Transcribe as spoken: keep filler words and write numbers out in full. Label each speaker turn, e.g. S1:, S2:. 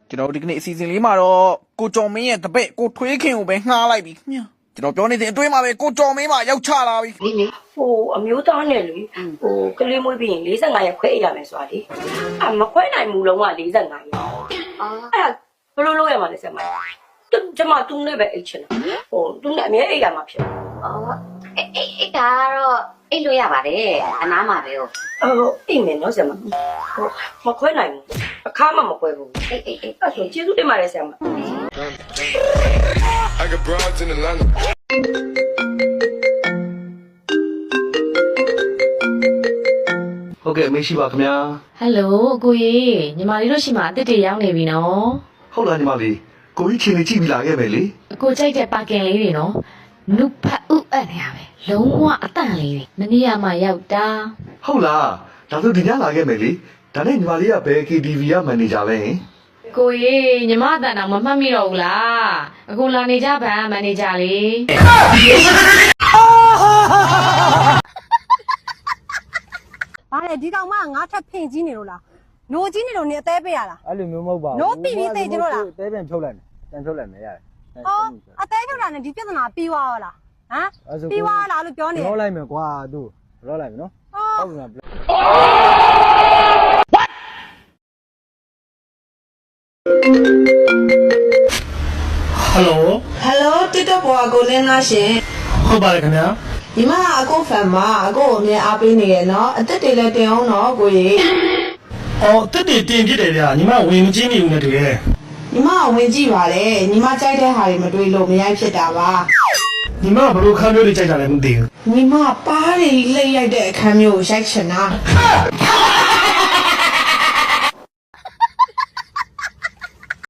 S1: ကျွန်တော်ဒီကနေ့အစီအစဉ်လေးမှာတော့ကိုကျော်မင်းရဲ့တပည့်ကိုထွေးခင်ကိုပဲငှားလိုက်ပြီခင်ဗျာကျွန်တော်ပြောနေတဲ့အတွေ့မှာပဲကိုကျော်မင်းမှာရောက်ချလာပြီလေလေ
S2: ဟိုအမျိုးသားနဲ့လေဟိုကလေးမွေးပြီးရင်၄၅ရက်ခွဲအိပ်ရမယ်ဆိုတာလေအမခွဲနိုင်ဘူးလုံးဝ၄၅ရက်အာအဲ့ဘယ်လိုလုပ်ရမှာလဲဆက်မတူကျမတူနဲ့ပဲအိတ်ချင်တာဟိုတူနဲ့အမြဲအိတ်ရမှာဖြစ်
S3: အော်အေးအေးဒါတော့အိတ်လို့ရပါတယ်အနားမှာပဲဟုတ်
S2: အော်အိတ်မယ်နော်ဆက်မဟိုမခွဲနိုင်ဘူးအခါမှမခွဲဘူး
S3: အေးအေးအေး
S2: အဲ့ဆိုကျေးဇူးတင်ပါတယ်ဆက်မ
S4: I got broads in Atlanta.
S5: ဟုတ်ကဲ့အမေရှိပါခင်ဗျာ
S6: ဟယ်လိုကိုကြီးညီမလေးတို့ရှိမှအစ်စ်တွေရောက်နေပြီနော်
S5: ဟုတ်လားညီမလေးကိုကြီးချင်းလေးကြည့်ပြီးလာခဲ့မယ်လေ
S6: အကိုကြိုက်တဲ့ပါကင်လေးတွေနော်နုဖတ်ဥအပ်နေရပဲလုံးဝအတန့်လေးတွေမနေ့ကမှရောက်တာ
S5: ဟုတ်လားဒါဆိုဒီညလာခဲ့မယ်လေဒါနဲ့ညီမလေးကဘယ် K T V ကမန်နေဂျာလဲဟင်
S6: ကိုကြီးညီမအတန်တော့မမှတ်မိတော့ဘူးလားအခုလာနေကြဗန်မန်နေဂျာလေး
S7: ဘာလဲဒီကောင်မငါထပ်ဖင်ကြီးနေလို့လားနိုးကြီးနေလို့နေအသေးပေးရလား
S8: အဲ့လိုမျိုးမဟုတ်ပါဘူး
S7: နိုးပြီပြီသိကြလို့လား
S8: တဲပြန်ဖြုတ်လိုက်မယ်တန်ဖြုတ်လိုက်မယ်ရတယ်
S7: ဟောအသေးဖြုတ်တာနဲ့ဒီပြဿနာပြီးသွားရောလားဟမ်ပြီးသွားလားလို့ပြောနေ
S8: ရောလိုက်မယ်ကွာသူရောလိုက်မယ်နော်ဟုတ်ပြီလား
S9: ဟယ်လို
S10: ဟယ်လိုတစ်တော့ပေါ်ကိုလင်းလားရှင်
S9: ဟုတ်ပါတယ်ခင်ဗျာ
S10: ညီမအကိုဖန်မအကိုကိုအမြဲအားပေးနေရနော်အသက်တွေလည်းတင်အောင်နော်ကိုကြီး
S9: အော်တက်တွေတင်ပြတယ်ဗျာညီမဝင်မချင်းနေဦးနဲ့တူရဲ့
S10: ညီမဝင်ကြည့်ပါလေညီမကြိုက်တဲ့ဟာတွေမတွေးလို့မရိုက်ဖြစ်တာပါ
S9: ညီမဘယ်လိုခန်းမျိုးတွေကြိုက်တာလဲမသိဘူး
S10: ညီမပါးတွေလှည့်ရိုက်တဲ့အခန်းမျိုးကိုရိုက်ချင်တာ